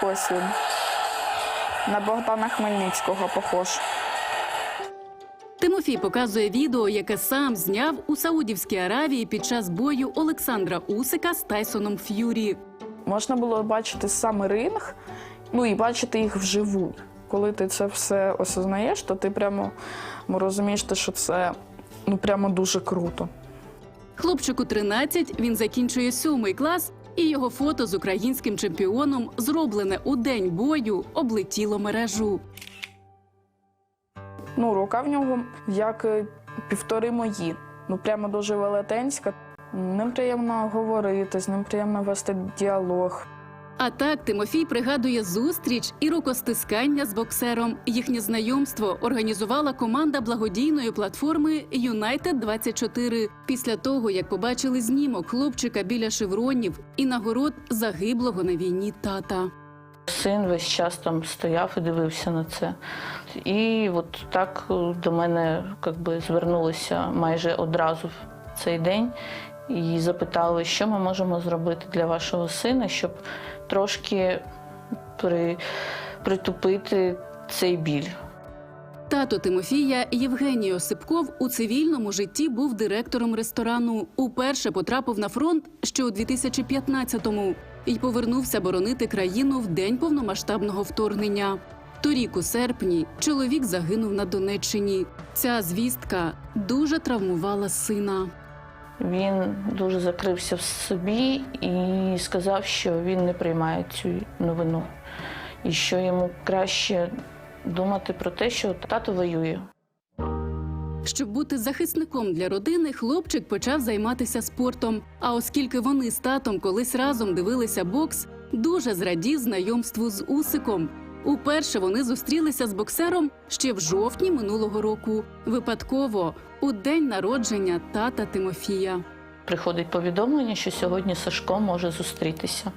ось він. На Богдана Хмельницького похож. Тимофій показує відео, яке сам зняв у Саудівській Аравії під час бою Олександра Усика з Тайсоном Ф'юрі. Можна було бачити сам ринг, і бачити їх вживу. Коли ти це все осознаєш, то ти прямо розумієш, що це прямо дуже круто. Хлопчику 13, він закінчує 7-й клас, і його фото з українським чемпіоном, зроблене у день бою, облетіло мережу. Рука в нього як 1,5 мої. Прямо дуже велетенська. Ним приємно говорити, з ним приємно вести діалог. А так Тимофій пригадує зустріч і рукостискання з боксером. Їхнє знайомство організувала команда благодійної платформи «Юнайтед-24» після того, як побачили знімок хлопчика біля шевронів і нагород загиблого на війні тата. Син весь час там стояв і дивився на це. І от так до мене звернулися майже одразу в цей день і запитали, що ми можемо зробити для вашого сина, щоб трошки притупити цей біль. Тато Тимофія Євгеній Осипков у цивільному житті був директором ресторану. Уперше потрапив на фронт ще у 2015-му і повернувся боронити країну в день повномасштабного вторгнення. Торік у серпні чоловік загинув на Донеччині. Ця звістка дуже травмувала сина. Він дуже закрився в собі і сказав, що він не приймає цю новину. І що йому краще думати про те, що тато воює. Щоб бути захисником для родини, хлопчик почав займатися спортом. А оскільки вони з татом колись разом дивилися бокс, дуже зрадів знайомству з Усиком. Уперше вони зустрілися з боксером ще в жовтні минулого року. Випадково, у день народження тата Тимофія. Приходить повідомлення, що сьогодні Сашко може зустрітися.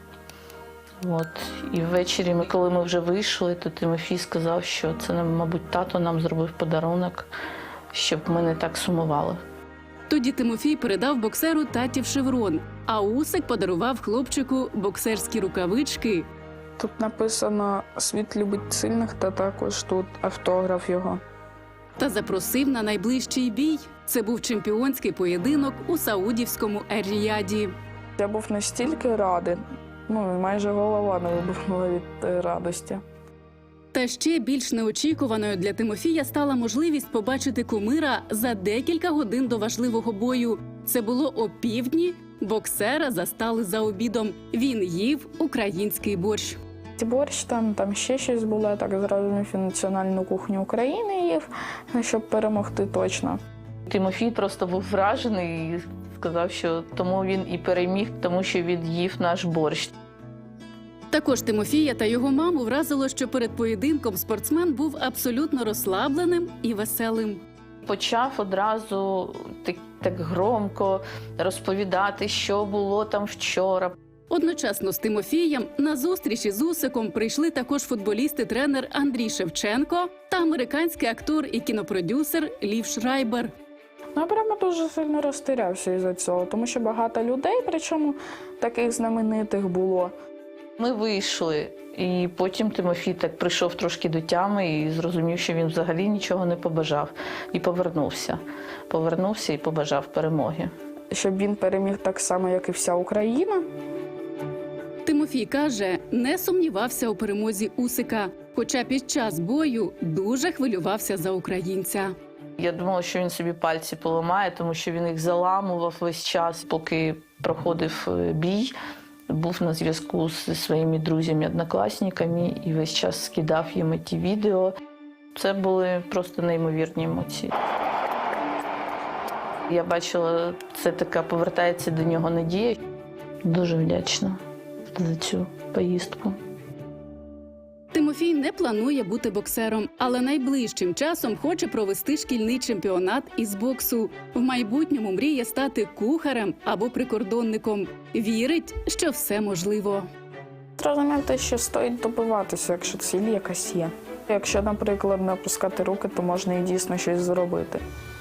І ввечері, коли ми вже вийшли, то Тимофій сказав, що це, мабуть, тато нам зробив подарунок, щоб ми не так сумували. Тоді Тимофій передав боксеру татів шеврон, а Усик подарував хлопчику боксерські рукавички. Тут написано «Світ любить сильних» та також тут автограф його. Та запросив на найближчий бій. Це був чемпіонський поєдинок у Саудівському Ер-Ріяді. Я був настільки радий, майже голова не вибухнула від радості. Та ще більш неочікуваною для Тимофія стала можливість побачити кумира за декілька годин до важливого бою. Це було опівдні, боксера застали за обідом. Він їв український борщ. Борщ, там ще щось було, я так зрозумів, і національну кухню України їв, щоб перемогти точно. Тимофій просто був вражений і сказав, що тому він і переміг, тому що він їв наш борщ. Також Тимофія та його маму вразило, що перед поєдинком спортсмен був абсолютно розслабленим і веселим. Почав одразу так громко розповідати, що було там вчора. Одночасно з Тимофієм на зустрічі з Усиком прийшли також футболіст і тренер Андрій Шевченко та американський актор і кінопродюсер Лів Шрайбер. Я прямо дуже сильно розтірявся із-за цього, тому що багато людей, причому таких знаменитих було. Ми вийшли, і потім Тимофій так прийшов трошки до тями і зрозумів, що він взагалі нічого не побажав. І повернувся. Повернувся і побажав перемоги. Щоб він переміг так само, як і вся Україна. Тимофій каже, не сумнівався у перемозі Усика, хоча під час бою дуже хвилювався за українця. Я думала, що він собі пальці поламає, тому що він їх заламував весь час, поки проходив бій. Був на зв'язку зі своїми друзями-однокласниками і весь час скидав їм ті відео. Це були просто неймовірні емоції. Я бачила, це така повертається до нього надія. Дуже вдячна за цю поїздку. Тимофій не планує бути боксером, але найближчим часом хоче провести шкільний чемпіонат із боксу. В майбутньому мріє стати кухарем або прикордонником. Вірить, що все можливо. Зрозумів те, що стоїть добиватися, якщо ціль якась є. Якщо, наприклад, не опускати руки, то можна і дійсно щось зробити.